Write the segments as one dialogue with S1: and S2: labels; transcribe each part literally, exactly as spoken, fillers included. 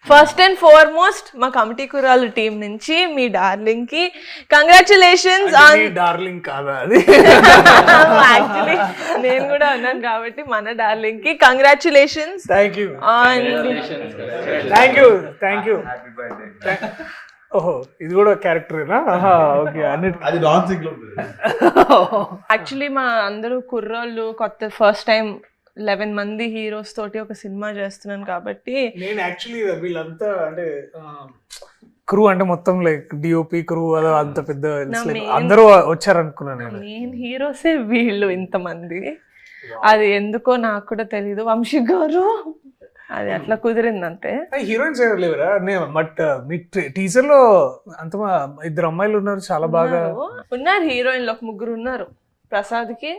S1: First and foremost మా committee కురాలు team నుంచి మీ డార్లింగ్ కి కంగ్రాచులేషన్స్ ఆన్
S2: డార్లింగ్ కాదా అది
S1: యాక్చువల్లీ నేను కూడా అన్నాను కాబట్టి మన డార్లింగ్ కి congratulations
S2: thank you
S1: on
S2: thank you thank you ఓహో ఇది కూడా క్యారెక్టరేనా ఓకే అన్ని
S3: అది డాన్సింగ్ లో
S1: యాక్చువల్లీ మా అందరూ కుర్రోళ్ళు కొత్త ఫస్ట్ టైం లెవెన్ మంది హీరోస్ తోటి ఒక సినిమా చేస్తున్నాను కాబట్టి
S2: నేను యాక్చువల్లీ వీళ్ళంతా అంటే క్రూ అంటే మొత్తం లైక్ డిఓపి క్రూ అదో అంత పెద్ద అందరూ వచ్చారు అనుకున్నాను నేను
S1: మెయిన్ హీరోసే వీళ్ళు ఇంతమంది. అది ఎందుకో నాకు కూడా తెలీదు. వంశీ గారు అది అట్లా కుదిరింది అంతే.
S2: హీరోయిన్స్ ఎవరు లేవరా? నేను బట్ మీ టీజర్ లో అంత ఇద్దరు అమ్మాయిలు ఉన్నారు చాలా బాగా
S1: ఉన్నారు. హీరోయిన్లు ఒక ముగ్గురు ఉన్నారు. ప్రసాద్ కి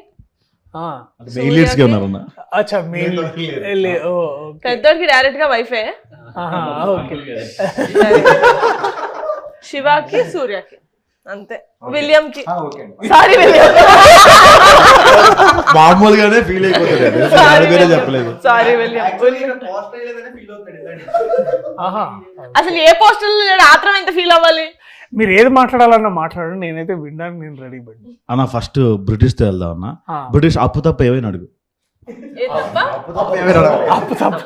S1: పెద్దోడికి డైరెక్ట్ గా వైఫే, శివాకి సూర్యకి అంతే. విలియం కి సారీ విలియం
S3: మామూలుగానే ఫీల్ అయిపోతుంది చెప్పలేదు.
S1: Sorry William. అసలు ఏ పోస్టర్ ఆత్రం ఎంత ఫీల్ అవ్వాలి?
S2: మీరు ఏది మాట్లాడాలన్నా మాట్లాడండి, నేనైతే వినడానికి నేను రెడీ పడి.
S3: అన్న ఫస్ట్ బ్రిటిష్ తో వెళ్దాం అన్న. బ్రిటిష్ అప్పు తప్ప ఏమైనా అడుగు.
S2: అప్పు తప్ప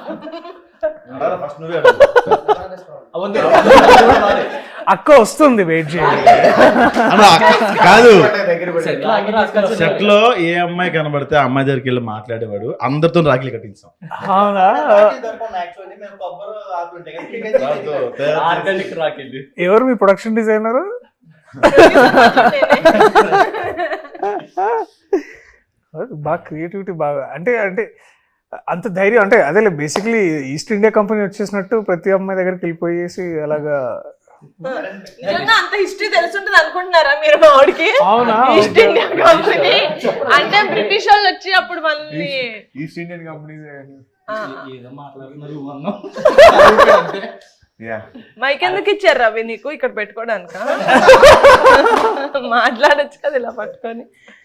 S2: అక్క వస్తుంది, వెయిట్ చేయండి.
S3: కాదు సెట్ లో ఏ అమ్మాయి కనబడితే ఆ అమ్మాయి దగ్గరికి వెళ్ళి మాట్లాడేవాడు. అందరితో రాఖీలు కట్టించాం.
S2: అవునా? ఎవరు మీ ప్రొడక్షన్ డిజైనర్? బాగా క్రియేటివిటీ బాగా అంటే అంటే అంత ధైర్యం అంటే అదే బేసిక్లీ ఈస్ట్ ఇండియా కంపెనీ వచ్చేసినట్టు ప్రతి అమ్మాయి దగ్గరికి వెళ్ళిపోయేసి అలాగా.
S1: అంత హిస్టరీ తెలుసుంటది అనుకుంటున్నారా మీరు? మా వాడికి ఈస్ట్ ఇండియా కంపెనీ అంటే బ్రిటిష్ వాళ్ళు వచ్చి అప్పుడు మళ్ళీ
S3: ఈస్ట్ ఇండియన్ కంపెనీ
S1: మైక్ ఎందుకు ఇచ్చారు రవి నీకు ఇక్కడ పెట్టుకోవడానిక? మాట్లాడచ్చు కదా ఇలా పట్టుకొని.